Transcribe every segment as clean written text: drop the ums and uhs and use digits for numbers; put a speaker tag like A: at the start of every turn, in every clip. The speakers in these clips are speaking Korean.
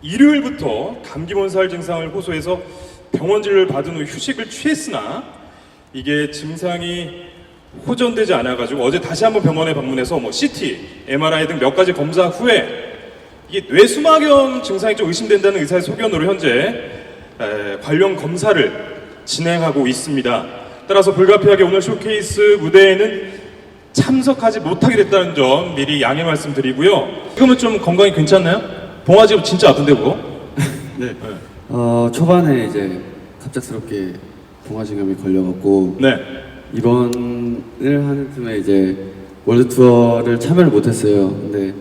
A: 일요일부터 감기 몸살 증상을 호소해서 병원 진료를 받은 후 휴식을 취했으나 이게 증상이 호전되지 않아가지고 어제 다시 한번 병원에 방문해서 CT, MRI 등 몇 가지 검사 후에 이게 뇌수막염 증상이 좀 의심된다는 의사의 소견으로 현재 관련 검사를 진행하고 있습니다. 따라서 불가피하게 오늘 쇼케이스 무대에는 참석하지 못하게 됐다는 점 미리 양해 말씀드리고요. 지금은 좀 건강이 괜찮나요? 봉화지 진짜 아픈데 그거?
B: 네. 초반에 이제 갑작스럽게 봉화지감이 걸려갖고
A: 네.
B: 입원을 하는 틈에 이제 월드 투어를 참여를 못했어요. 근데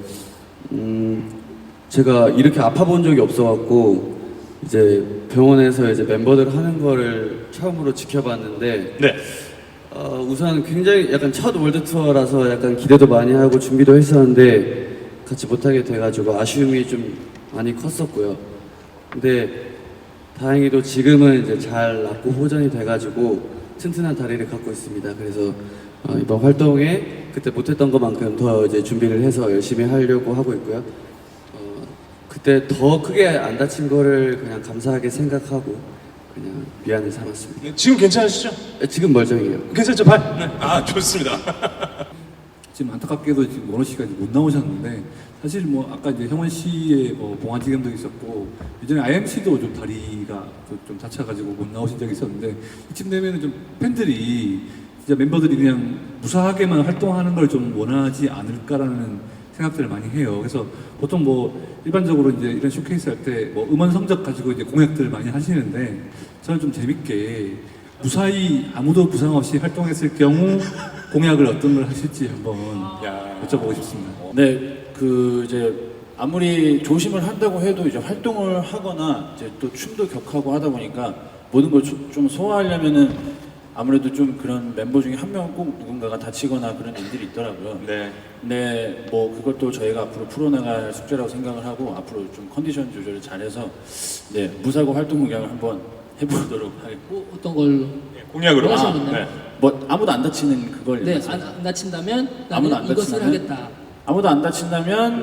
B: 제가 이렇게 아파본 적이 없어갖고 이제 병원에서 이제 멤버들 하는 거를 처음으로 지켜봤는데
A: 네.
B: 우선 굉장히 약간 첫 월드 투어라서 약간 기대도 많이 하고 준비도 했었는데 같이 못하게 돼가지고 아쉬움이 좀 많이 컸었고요. 근데 다행히도 지금은 이제 잘 낫고 호전이 돼가지고 튼튼한 다리를 갖고 있습니다. 그래서 이번 활동에 그때 못했던 것만큼 더 이제 준비를 해서 열심히 하려고 하고 있고요. 그때 더 크게 안 다친 거를 그냥 감사하게 생각하고 그냥 미안을 삼았습니다.
A: 네, 지금 괜찮으시죠?
B: 지금 멀쩡해요.
A: 괜찮죠? 발? 네. 아, 좋습니다.
C: 지금 안타깝게도 지금 원호 씨가 못 나오셨는데 사실 뭐 아까 이제 형원 씨의 봉화지감도 있었고 예전에 IMC도 좀 다리가 좀 다쳐가지고 못 나오신 적이 있었는데 이쯤 되면은 좀 팬들이 진짜 멤버들이 그냥 무사하게만 활동하는 걸 좀 원하지 않을까라는 생각들을 많이 해요. 그래서 보통 뭐 일반적으로 이제 이런 쇼케이스 할 때 뭐 음원 성적 가지고 이제 공약들을 많이 하시는데 저는 좀 재밌게 무사히 아무도 부상 없이 활동했을 경우 공약을 어떤 걸 하실지 한번 여쭤보고 싶습니다.
D: 네, 이제 아무리 조심을 한다고 해도 이제 활동을 하거나 이제 또 춤도 격하고 하다 보니까 모든 걸 좀 소화하려면은 아무래도 좀 그런 멤버 중에 한 명은 꼭 누군가가 다치거나 그런 일들이 있더라고요.
A: 네.
D: 네, 뭐 그것도 저희가 앞으로 풀어나갈 숙제라고 생각을 하고 앞으로 좀 컨디션 조절을 잘해서 네 무사고 활동 공약을 한번 해보도록 하겠습니다.
E: 어떤 걸로?
A: 네, 공약으로.
E: 뭐 하시는 건가요?
A: 네.
D: 뭐 아무도 안 다치는 그걸
E: 네,
D: 말씀하세요.
E: 안 다친다면
D: 아무도
E: 나는
D: 안
E: 이것을
D: 다친다면?
E: 하겠다.
D: 아무도 안 다친다면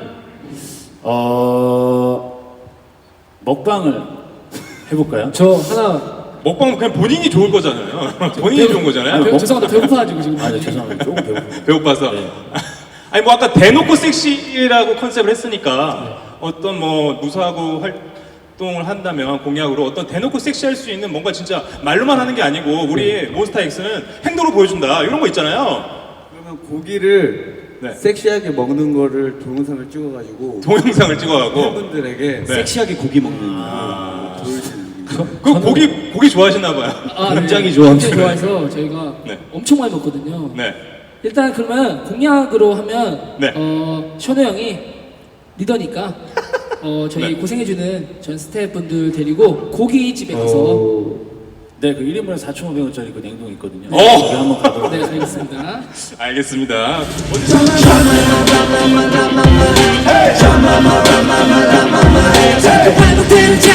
D: 먹방을 해볼까요?
E: 저 하나
A: 먹방은 그냥 본인이 좋을 거잖아요. 본인이 좋은 거잖아요.
E: 죄송합니다. 배고파가지고 지금.
D: 아, 네, 죄송합니다. 조금 배고프네요.
A: 배고파서.
D: 네.
A: 아니 뭐 아까 대놓고 섹시라고 컨셉을 했으니까 어떤 뭐 무사하고 활동을 한다면 공약으로 어떤 대놓고 섹시할 수 있는 뭔가 진짜 말로만 하는 게 아니고 우리 몬스타엑스는 행동으로 보여준다 이런 거 있잖아요.
B: 그러면 고기를
A: 네.
B: 섹시하게 먹는 거를 동영상을 찍어가지고
A: 동영상을 찍어가고
B: 팬분들에게
A: 네.
B: 섹시하게 고기 먹는 보여주는
A: 그 고기 좋아하시나 봐요.
E: 굉장히 좋아해서 저희가
A: 네.
E: 엄청 많이 먹거든요.
A: 네.
E: 일단 그러면 공약으로 하면
A: 네.
E: 션호 형이 리더니까 저희
A: 네.
E: 고생해주는 전 스태프분들 데리고 고깃집에 가서
D: 네, 그 1인분에 4,500원짜리 그 냉동 있거든요.
A: 오!
D: 거기 한번 가도록
E: 네 알겠습니다.
A: 알겠습니다.
E: 회복되는